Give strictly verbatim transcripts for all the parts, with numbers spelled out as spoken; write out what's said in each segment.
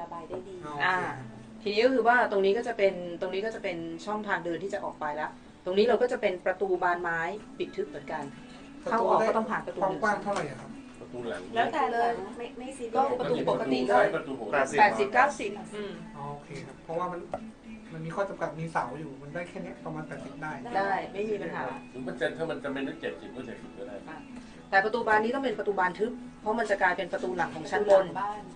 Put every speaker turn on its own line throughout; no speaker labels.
ระบายได้ดี
อ่าทีนี้ก็คือว่าตรงนี้ก็จะเป็นตรงนี้ก็จะเป็นช่องทางเดินที่จะออกไปแล้วตรงนี้เราก็จะเป็นประตูบานไม้ปิดทึบเหมือนกันเข้าออกก็ต้องผ่านประตูหนึ่ง
กว้างเท่าไหร่ครับ
ประตูหลัง
แล้วแต่เลยไม่ไม่ซีก็
ประตูปกติก็แปดสิบเก้าสิบ
โอเคครับเพราะว่ามันมันมีข้อจำกัดมีเสาอยู่มันได้แค่นี้ประมาณแปดสิบได้
ได้ไม่มีปัญหา
ถึงมันจะถ้ามันจะเป็นเจ็ดสิบก็เจ็ดสิบก็ได้
แต่ประตูบานนี้ต้องเป็นประตูบานทึบเพราะมันจะกลายเป็นประตูหลังของชั้นบน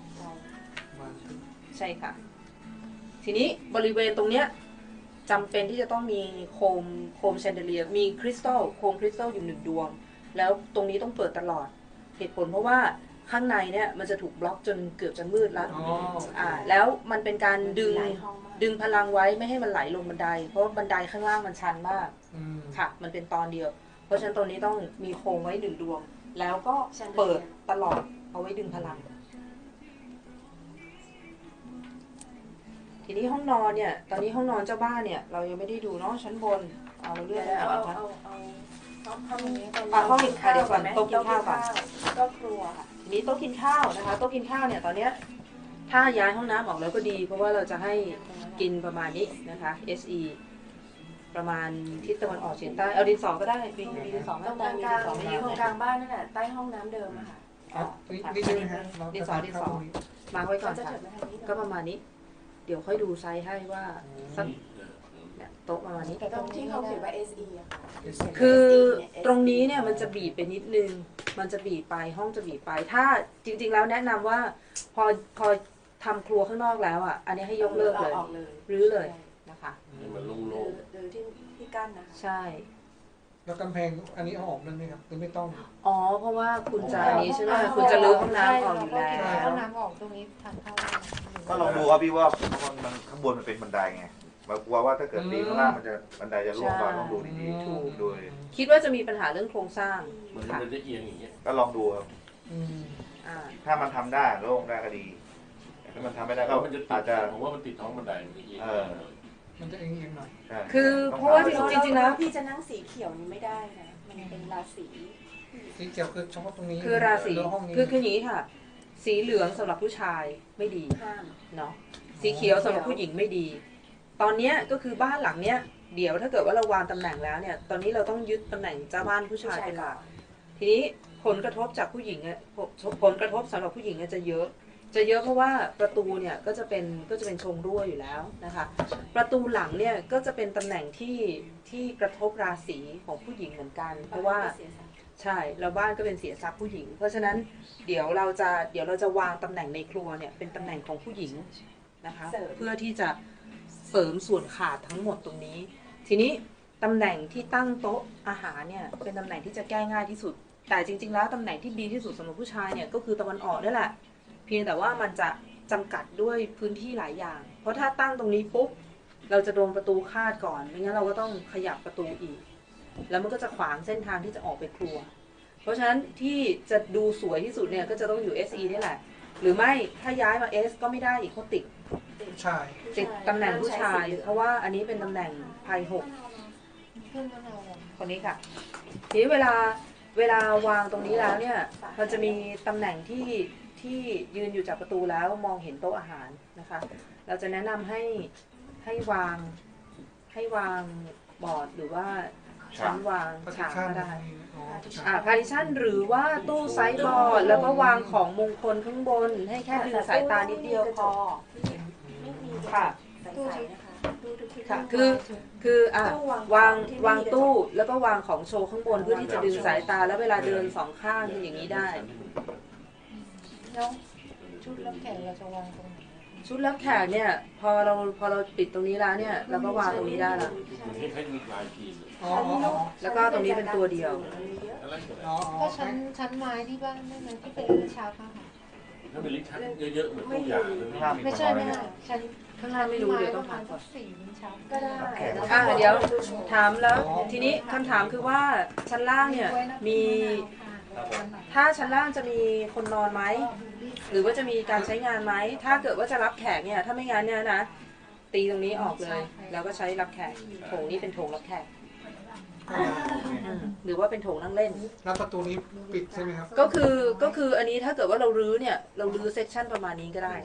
ใช่ค่ะทีนี้บริเวณตรงเนี้ยจำเป็นที่จะต้องมีโคมโคมแชนเดเลียมีคริสตัลโคมคริสตัลอยู่หนึ่งดวงแล้วตรงนี้ต้องเปิดตลอดเหตุผลเพราะว่าข้างในเนี่ยมันจะถูกบล็อกจนเกือบจะมืดแล้วอ่าแล้วมันเป็นการดึงดึงพลังไว้ไม่ให้มันไหลลงบันไดเพราะบันไดข้างล่างมันชันมากค่ะมันเป็นตอนเดียวเพราะฉะนั้นตรงนี้ต้องมีโคมไว้หนึ่งดวงแล้วก็เปิดตลอดเอาไว้ดึงพลังทีนี้ห้องนอนเนี่ยตอนนี้ห้องนอนเจ้าบ้านเนี่ยเรายังไม่ได้ดูเนาะชั้นบนเอาเรื่อง
เอา
เอา
เอาเอาห้องนี้
ห้องกินข้าวเดี๋ยวก่อนโต๊ะกินข้าวก่อน
ก็ครัวค่ะ
ทีนี้โต๊ะกินข้าวนะคะโต๊ะกินข้าวเนี่ยตอนเนี้ยถ้าย้ายห้องน้ำออกแล้วก็ดีเพราะว่าเราจะให้กินประมาณนี้นะคะ เอส อี ประมาณทิศตะวันออกเฉียงใต้เอาดินสอก็ได้มีดินสอ
ตรงกลางกลางตรงกลางบ้านนั่นแหละใต้ห้องน้ำเดิมอะค่ะ
นี่ใช่ไหมฮะ
ดินสอดินสอมาไว้ก่อนค่ะก็ประมาณนี้เดี๋ยวค่อยดูไซส์ให้ว่าสักเนี่ยโต๊ะประมาณนี้
แต่ตรงที่เขาเขียนว่า เอส อี อะ
คือตรงนี้เนี่ยมันจะบีบไปนิดนึงมันจะบีบไปห้องจะบีบไปถ้าจริงๆแล้วแนะนำว่าพอพอทำครัวข้างนอกแล้วอ่ะอันนี้ให้ยกเลิกเลยรื้อเลยนะคะ
มันโล่ง
ๆหรือที่ที่กั้นนะ
ใช่
แล้วกำแพงอันนี้เอาออกได้ไหมครับหรือไม่ต้อง
อ๋อเพราะว่าคุณจะนี้ใช่ไหมคุณจะรื้อห้องน้ำออกอยู่แล้ว
ห้องน้ำออกตรงนี้ทางเข้า
ก็ลองดูครับพี่ว่ามันข้างบนมันเป็นบันไดไงมากลัวว่าถ้าเกิดตีข้างล่างมันจะบันไดจะร่วงก่อนต้องดูดีๆถูกโดย
คิดว่าจะมีปัญหาเรื่องโครงสร้าง
มันจะเอียงอย่างเงี้ย
ก็ลองดูครับถ้ามันทำได้โล่งได้ก็ดีถ้ามันทำไม่ได้ก็อาจจะ
ผมว่ามันติดท้องบันไดมันเอียง
มันจะเอียงหน่อย
คือเพราะว่าจริงๆแล้ว
พี่จะนั่งสีเขียวนี้ไม่ได้นะมันเป็นราศี
สีเขียวคือเฉพาะตรงนี้
คือราศีคือคืออย่างนี้ค่ะสีเหลืองสำหรับผู้ชายไม่ดีเนาะสีเขียวสำหรับผู้หญิงไม่ดีตอนนี้ก็คือบ้านหลังเนี้ยเดี๋ยวถ้าเกิดว่าเราวางตำแหน่งแล้วเนี่ยตอนนี้เราต้องยึดตำแหน่งเจ้าบ้านผู้ชายเป็นหลักทีนี้ผลกระทบจากผู้หญิงเนี่ยผลกระทบสำหรับผู้หญิงเนี่ยจะเยอะจะเยอะเพราะว่าประตูเนี่ยก็จะเป็นก็จะเป็นชงรั่วอยู่แล้วนะคะประตูหลังเนี่ยก็จะเป็นตำแหน่งที่ที่กระทบราศีของผู้หญิงเหมือนกันเพราะว่าใช่แล้วบ้านก็เป็นเสียทรัพย์ผู้หญิงเพราะฉะนั้นเดี๋ยวเราจะเดี๋ยวเราจะวางตำแหน่งในครัวเนี่ยเป็นตำแหน่งของผู้หญิงนะคะเพื่อที่จะเสริมส่วนขาดทั้งหมดตรงนี้ทีนี้ตำแหน่งที่ตั้งโต๊ะอาหารเนี่ยเป็นตำแหน่งที่จะแก้ง่ายที่สุดแต่จริงๆแล้วตำแหน่งที่ดีที่สุดสำหรับผู้ชายเนี่ยก็คือตะวันออกนี่แหละเพียงแต่ว่ามันจะจำกัดด้วยพื้นที่หลายอย่างเพราะถ้าตั้งตรงนี้ปุ๊บเราจะโดนประตูคาดก่อนไม่งั้นเราก็ต้องขยับประตูอีกแล้วมันก็จะขวางเส้นทางที่จะออกไปครัวเพราะฉะนั้นที่จะดูสวยที่สุดเนี่ยก็จะต้องอยู่ เอส อี นี่แหละหรือไม่ถ้าย้ายมา S ก็ไม่ได้อีกเขาติด
ใช่
ติดตำแหน่งผู้ชายเพราะว่าอันนี้เป็นตำแหน่งไพ่หกคนนี้ค่ะทีนี้เวลาเวลาวางตรงนี้แล้วเนี่ยมันจะมีตำแหน่งที่ที่ยืนอยู่จากประตูแล้วมองเห็นโต๊ะอาหารนะคะเราจะแนะนำให้ให้วางให้วางบอร์ดหรือว่าชั้นวางฉากก็ได้อ่าพาร์ติชันหรือว่าตู้ไซส์บอร์ดแล้วก็วางของมงคลข้างบนให้แค่ดึงสายตานิดเดียวพอค่ะค่ะคือคืออ่ะวางวางตู้แล้วก็วางของโชว์ข้างบนเพื่อที่จะดึงสายตาแล้วเวลาเดินสองข้างอย่างนี้ได้
แล้วชุดรับแขกเราจะวางตรงไหน
ชุดรับแขกเนี่ยพอเราพอเราปิดตรงนี้แล้วเนี่ยเราก็วางตรงนี้ได้แล้วแล้วก็ตรงนี้เป็นตัวเดียว
ก็ชั้นชั้นไม้ที่บ้านได้ไหมที่เป็นชาวค่ะ
ถ้าเป็นลิฟต์ชั้นเยอะๆเหมือนตู้ยา
ไม่ใช่ไม่ใช่ชั้น
ข้างล่างไม่รู้เดี๋ยวต้องถามก่อน
สี่ชั้นก็ได้
อ่าเดี๋ยวถามแล้วทีนี้คำถามคือว่าชั้นล่างเนี่ยมีถ้าชั้นล่างจะมีคนนอนไหมหรือว่าจะมีการใช้งานไหมถ้าเกิดว่าจะรับแขกเนี่ยถ้าไม่งั้นเนี่ยนะตีตรงนี้ออกเลยแล้วก็ใช้รับแขกโถงนี้เป็นโถงรับแขกหรือว่าเป็นโถงนั่งเล่น
แล้วประตูนี้ปิดใช่ไหมครับ
ก็คือก็คืออันนี้ถ้าเกิดว่าเรารื้อเนี่ยเรารื้อเซกชันประมาณนี้ก็ได้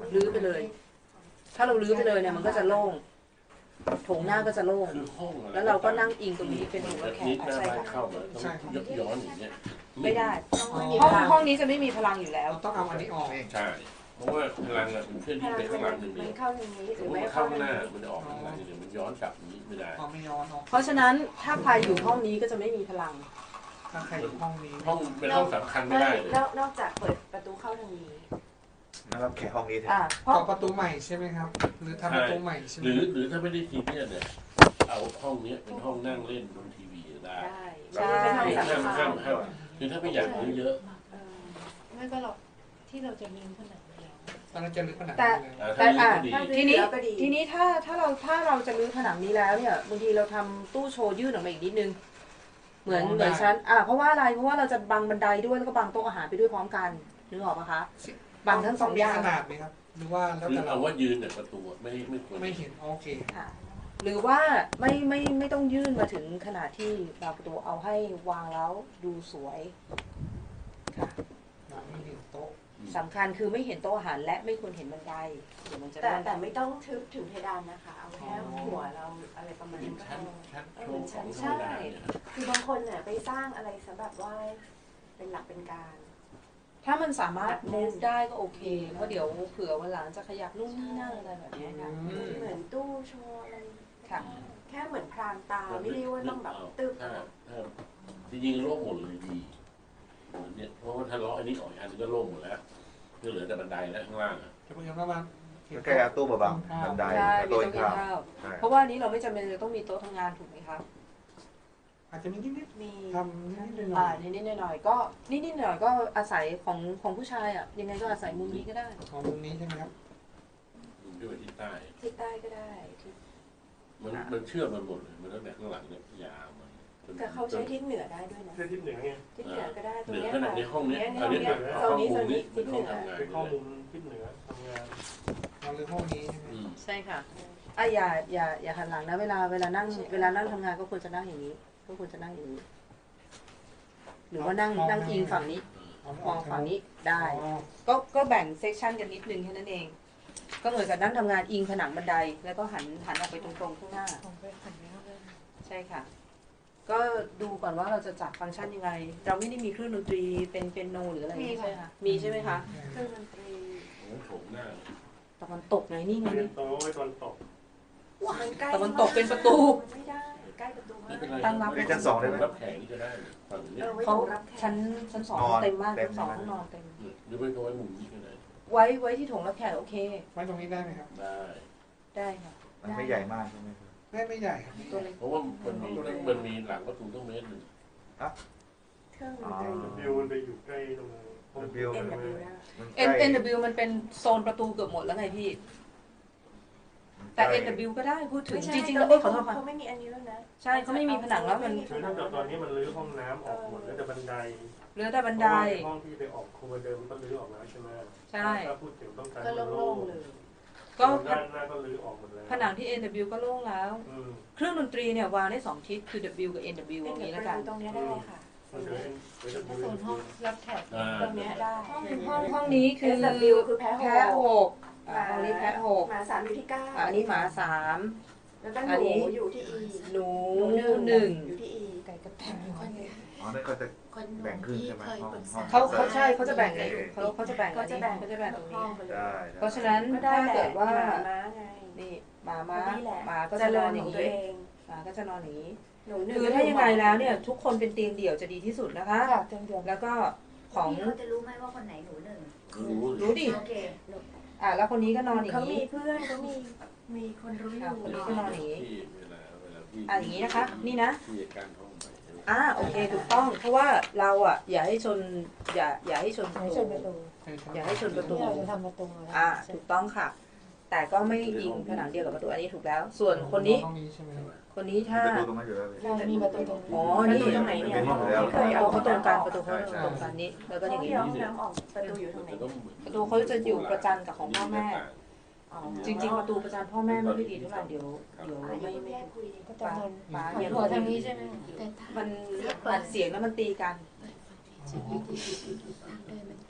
รื้อไปเลย ถ้าเรารื้อไปเลยเนี่ยมันก็จะโล่งโถงหน้าก็จะโล่ง
คือห้องอะไร
แล้วเราก็นั่งอิงตรงนี้เป็นหัวแข
นิ
ก
ดหน้า
ใช่
บ้าน
ค่ะ
เข้ามาต้องยกย้อนอย่างเงี้ย
ไม่ได้
ไม่มี
ห้อง
พลัง
ห้องนี้จะไม่มีพลังอยู่แล้ว
เราต้องเอาอันนี้ออกเอง
ใช่เพราะว่าพลังอะมันเคลื่อนที่ไปข้างหลังหนึ่งเดี
มั
ย
น
ว
เข้าทางนี้ห
ส
รื
ม
อ
มติ
ไม่
มัน
เข้า
เข้า
ทาง
หน้า
นี้
มันจะออกข้างหลังเดี๋ยวมันย้อนกลับอย่างนี้ไม่ได้
เอาไม่ย้อนออก
เพราะฉะนั้นถ้าใครอยู่ห้องนี้ก็จะไม่มีพลัง
ถ้าใครอยู่ห้องนี้
ห้องเป็นห้องสำคัญไม่ได้เลย
นอกนอกจากเปิดประตูเข้าทางนี้
นะครับแค่ห้องนี้เถ
อ่า
อะ
เพราะ
ต่อประตูใหม่ใช่ไหมครับ หรือทำประตูใหม่ใช่ไหม
หรือหรือถ้าไม่ได้ทีเนี่ยเนี่ยเอาห้องนี้เป็นห้องนั่งเล่นดูทีวีได้
ได้
ใช่
เป็นห้อง
คือ
สำ
ห้าม
คั
ห้า
ญ
มห้ามคือถ้าไม่อยากรื้อเยอะ
เออ
ไม่ก็หรอกที่เราจะมีผนังแล้ว
ตอนนั้นจะลึกขนาด
แต่
นี้เลย
อ่า
แต่
ถ้า
อ่ะ
รื้อก็ดี
ถ้า
ทีนี้
แล้วก็ดี
ทีนี้ถ้าถ้าเราถ้าเราจะรื้อผนังนี้แล้วเนี่ยบางทีเราทำตู้โชว์ยื่นออกมาอีกนิดนึง เหมือนเหมือนชั้นอ่ะเพราะว่าอะไรเพราะว่าเราจะบังบันไดด้วยแล้วก็บังโต๊ะอาหารไปด้วยพร้อมกันนึกออกปะคะบังทั้งสองอย่าง
มีขนาดไหมครับ หรือว่าแล้ว
คือ
แต่เรา
เอาว่ายืนเนี่ยประตูไม่ไม่ควร
ไม่เห็นโอเค
ค่ะหรือว่าไม่ไม่ไม่ต้องยื่นมาถึงขนาดที่บางประตูเอาให้วางแล้วดูสวยค่ะ
ไม่เห็นโต๊ะ
สำคัญคือไม่เห็นโต๊ะอาหารและไม่ควรเห็นบันไดเดี๋ยวมันจะ
แต่
ร่วง
แต่ไม่ต้องทึบถึงเพดานนะคะ เอาแค่หัวเราอะไรประมาณ
เป็
นั้น
น
ก็
ชั้น
พอ
ชั้นโชว์ของธรรมดาเนี่ย
คือบางคนเนี่ยไปสร้างอะไรสำหรับว่าเป็นหลักเป็นการ
ถ้ามันสามารถ move ได้ก็โอเคเพราะเดี๋ยวเผื่อวันหลังจะขยับนู่นนี่นั่นอะไรแบบนี้ค่ะ
อืม
เหมือนตู้โชว์อะไร
ค่ะ
แค่เหมือนพรางตาไม่ได้ว่าต้องแบบตึบ
ถ้าถ้าจริงๆโล่งหมดเลยดีเหมือนเนี่ยเพราะว่าถ้าล้ออันนี้ออกอีกอันนึงก็โล่งหมดแล้วก็เหลือแต่บันไดแล้วข้างล่างอ่ะ
จะเป็นยังไงบ้าง
แค่เอาตู้มาบังบันได
ใช่
แล้ว
มี
โต๊ะ
ต้องมี
ข้าว
ข้าว
ใช่
เพราะว่านี้เราไม่จำเป็นจะต้องมีโต๊ะทำงานถูกไหมคะ
อาจจะมีนิด
มี
ๆทำนิดๆหน่
อ่า
อย
นิดๆหน่อยๆก็นิดๆหน่อยๆก็อาศัยของของผู้ชายอ่ะยังไงก็อาศัยมุมนี้ก็ได้
ๆของมุมนี้ใช่ไหมครับ
ดูด้วยที่ใต้
ที่ใต้ก็ได้ที่
มันมันเชื่อมมันหมดเลยมันตั้งแต่ข้างหลังเนี่ยยาวมัน
แต่เขาใช้ทิศเหนือได้ด้วยนะ
เพื่อทิศเหนือไง
ทิศเหนือก็ได้ตรง
เหนือ
เนี้ย
ขนาด
ค่ะ
ในห้องเนี้ย
เนี้
อันนี้
เนี้
เป็น
โซ
ห้อน ง
นี้โซ
มุ
น
ม
นี้
นี้
ทิ
เป็น
ศเห
ห้
นื
อง
อ
ทำงาน
เป็นข้อมูลทิศเหนือทำงาน
เราเลยห้องนี้ใช่ไหม
อืม
ใช่ค่ะอ่ะอย่าอย่าอย่าหันหลังนะเวลาเวลานั่งเวลานั่งทำงานก็ควรจะนั่งอย่างนี้ ก็ควรจะนั่งอย่างนี้ หรือว่านั่งนั่งอิงฝั่งนี้ มองฝั่งนี้ได้
อ๋อ
ก็ก็แบ่งเซกชันกันนิดนึงแค่นั้นเอง ก็เหมือนกับนั่งทำงานอิงผนังบันได แล้วก็หันหันออกไปตรงๆข้างหน้า
ของไปขันไม่เข้าเลย
ใช่ค่ะ ก็ดูก่อนว่าเราจะจัดฟังก์ชันยังไง เราไม่ได้มีเครื่องดนตรีเป็นเป็นโนหรืออะไรใช่ไหมคะมีใช่ไหมคะ
เครื่องดนตรี
โอ้โถงหน้า
ตะวันตกไงนี่ไง
เรีย
นี่
นโต๊ะไว้ตอนตก
มันใกล้
ตะวันตกเป็นประตู
มันไม่ได้ใกล้ประตู
ไม่
มาก
เป็นไร
ตั้งรับ
เป็นชั้นสองได้ไหม
รับแขกนี่ก็ได้ฝั่งนี้
เออไว้
เขา
ตรงรับแขก
ชั้นชั้นสอง
นอน
เต็มมาก
เต็
ชั้
ม
นสอง
ใช่ไหม
ห้องนอนเต็ม
หรือไม่ก็ไว้มุมนี้ก็ได้
ไว้ไว้ที่โถงรับแขกโอเค
ไว้ตรงนี้ได้ไหมครับ
ได้
ได้ค่ะ
มันไม่ใหญ่มากใช่ไหมครับ
ไม่ไม่ใหญ่ครับ
ตัวเล็ก
เพราะว่ามันมีมันมีหลังประตูต้องเมตรหนึ่ง
เครื่องดนตรี
วิวมันไปอยู่ใกล้ตรงห้อง
วิว
เอ็
มัน น
ดับเบิลได้
มันใก
N
ล้
N W มันเป็นโซนประตูเกือบหมดแล้วไงพี่ แต่ N W ก็ได้พูดถึง
ไม่ใช่
จริงๆ
ต
แล้ว
น
เอ้
นี้
ยขอโทษค่ะ
เขาไม่มีอันนี้แล้วนะ
ใช่เขาไม่มีผนังแล้วมัน
คือถ้าเกิดตอนนี้มันรื้อห้องน้ำออกหมดแล้วแต่บันได
เหลือแต่บันได
เพราะว่าห้องที่ไปออกครัวเดิมก็รื้อออกแล้วใช่ไหม
ใช่
ถ้าพูดถึงต้องการ
ก็โล่งๆเลย
ก็
ด้านหน้าก็รื้อออกหมดแล้ว
ผนังที่ N W ก็โล่งแล้ว
อืม
เครื่องดนตรีเนี่ยวางได้สองทิศคือ W กับ N W
เอ็
ตรง
น
นี้
ดั
แล้ว
บ
กัน
ตรงเนี้ยได้ค่ะ
มันจะเป็นเวท
โซนห้องรับแขก
อ่า
ตรงเนี้ยได้
ห้องห้องห้องนี้คือ
S W คือแพ้หก
แพ้หกอ่าห้องนี้แพ้หก
หมาสามอยู่ที่เก้า
อ่าอันนี้หมาสาม
แล้วก็
อัน
ห
นี้
นูอยู่ที่ E
หนูหนึ่ง
อยู่ที่ E
ไก่กระแทกอยู่คนเดียว
อ๋อนั่นเขาจะแบ่งครึ่งใช่ไหมห้องห้อง
เขาเขาใช่เขาจะแบ่งเลยเขาเขาจะแบ่ง
ก็จะแบ่ง
เขาจะแบ่งตรงนี้
ห้องไปเลย
ได้
เพราะฉะนั้น
ก็ได้
ถ้า
แหละ
เกิดว่า
หมาม้าไง
นี่หมาม้า
นี่แหละ
หมาก็
เจ
จะน
ริ
อ
ญ
นอ
ขอย่าง
ง
ตัว
นี้
เอง
หมาก็จะนอนอย่างนี้
หนูหนึ่ง
คือถ้ายังไงแล้วเนี่ยทุกคนเป็นเตียงเดี่ยวจะดีที่สุดนะคะ
ค่ะเตียงเดียว
แล้วก็ของ
พี่เขาจะรู้ไหมว่าคนไหนหนูหนึ่ง
รู้
รู้ดิ
โอเค
อ่ะแล้วคนนี้ก็นอนอย่าง
เขามี
นี้
เพื่อนเขามีมีคนรู้อ
ค่ะ
ยู่
คนนี้ก็นอนอย่างนี้
ที่เวลาเวลาที่
อ่ะอย่างนี้นะคะ นี่นะ
ที่การห้องไปใช่ไหม
อ่าโอเคถูกต้อง เพราะว่าเราอ่ะอย่าให้ชนอย่าอย่าให้ชน
อย่าให้ชนประตู
อย่าให้ชนประตู
ที่เราจะทำประตูแล้ว
อ่าถูกต้องค่ะ แต่ก็ไม่อิงผนังเดียวกับประตูอันนี้ถูกแล้ว ส่วนคนนี้
ห้องนี้ใช่ไหมครับ
คนนี้ถ้า
ประตูตรงนั้นอยู่แล้วเลย
เรามีประตูตรงนี้
อ๋อ
ประ
นี่
ตูตรงไหนเนี่ย
เป็นห้องอยู่แล้ว
ไม่เคย
ประ
เอา
ตูเขาตรงกันประตูเขา
ใช่
ตรงกันนี้แล้วก็
ห้
อ
อง
ย่าง
ที่
นี้
ห้องน้ำออกประตูอยู่ตรงไหน
ประตูเขาจะอยู่ประจันกับของพ่อแม่
อ๋อ
จริง ๆ ประตูประจันพ่อแม่ไม่ค่อยดีเท่าไหร่เดี๋ยวเดี๋ยว
ไม่
ไม่
ไม่
ไม่
แยกคุย
ก็จะนอน
ป๋า
หั
อย่า
วทางนี้ใช่ไหมแต่
มันอัดเสียงแล้วมันตีกัน
ทางเดินมันแคบ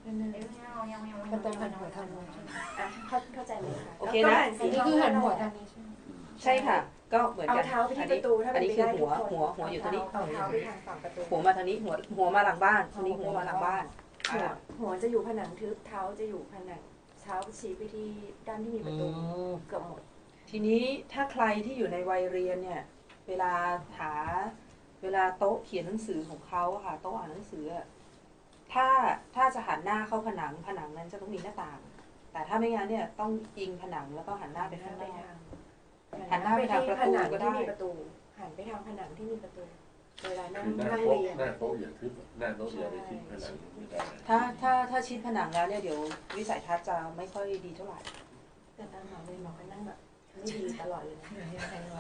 ก็ต้องหันหัวทางนู้นใช่ไหม
อ่ะเข้าเข้าใจเลยค่ะ
โอเคนะ
อันนี้คือหันหัวทางนี้ใช่ไหม
ใช่ค่ะ ก็เหมือน
เอา
กัน
เท้าไปที่ประตูถ้า
อั
เป็น น
นี้
ไป
คือ
ได้
หัว
ทุกคน
หัวหัวอยู่ตรงนี้
เอาเท้าไปทางฝั่งประตู
หัวมาทางนี้หัวหัวมาหลังบ้านทางนี้หัวมาหลังบ้าน
หัว
อ่า
หัวจะอยู่ผนังทึบเท้าจะอยู่ผนังเท้าชี้ไปที่ด้านที่มีประตูเกือบหมด
ทีนี้ถ้าใครที่อยู่ในวัยเรียนเนี่ย เวลาหาเวลาโต๊ะเขียนหนังสือของเขาอะค่ะโต๊ะอ่านหนังสืออะถ้าถ้าจะหันหน้าเข้าผนังผนังนั้นจะต้องมีหน้าต่าง แต่ถ้าไม่งั้นเนี่ยต้องอิงผนังแล้วก็หันหน้าไปข้างนอก หันหน้าไปทางประตู
หันหน้า
ก็
ไป
ได้
ที่มีประตูหันไปทางผนังที่มีประตู เวลานั่ง
คือหน้า
นั่ง
โต๊ะ
เรียน
หน้าโต๊ะอย่าทึบหน้าโต๊ะอย่าไปทิศผนังไม่ได้
ถ้าถ้าถ้าชิดผนังแล้วเนี่ยเดี๋ยววิสัยทัศน์จะไม่ค่อยดีเท่าไหร่
แต่ตอนหมอเลยหมอก็นั่งแบบไม่ดีตลอดเลยนะ
อะไรวะ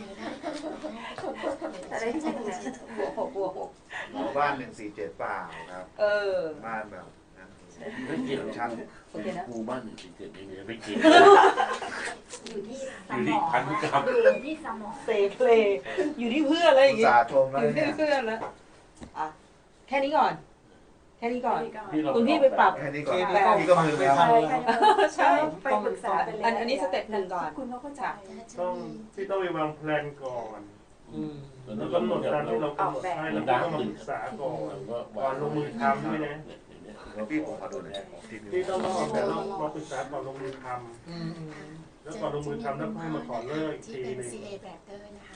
อะไรที่เป็นนะ
หัวหกหัวหก
หมู่บ้านหนึ่งสี่เจ็ดเปล่าครับ
เออ
บ้านแบบนั้น
ไม่เกี่ยว
ชั้น
โอเคนะ
หมู่บ้านหนึ่งสี่เจ็ดนี่ไม่เกี่ยว
อยู่ที่ส
อยู่
ม
ที่
อง
พันธุกรรม
อยู่ที่สมอง
เซเพลย์อยู่ที่เพื่อนอะไรอย่าง
อุต
เงี้ย
ส่าห์ชมแล้ว
อยู่ที่
เนี่ย
เพื่อนแล้วอ่ะแค่นี้ก่อน แค่นี้ก่อน
ที่เรา
คุณพี่ไปปรับ
แค่นี้ก่อน
แปลก
พี่ก็มือแล้ว
ใช่ค่ะ
ใช่
ไปปรึกษากันเลย
อันอันนี้สเต็ปหนึ่งก่อน
คุณเขาเข้าใจ
ต้องที่ต้องไปวางแผนก่อน
อืม
แล้วกำหนดตามที่เรากำหนดให้แล้วก็ต้องมาปรึกษาก่อนก่อนลงมือทำด้วยนะ
แล้วพี่ผมขอดูหน่อยที่
ที่ต้องมาออกแบบต้องมาปรึกษาก่อนลงมือท
อืมอืม
ำแล้วก่อนลงมือทำแล้วให้มาขอเลิกอีกทีหนึง
ซี เอ แบบเตอร์นะคะ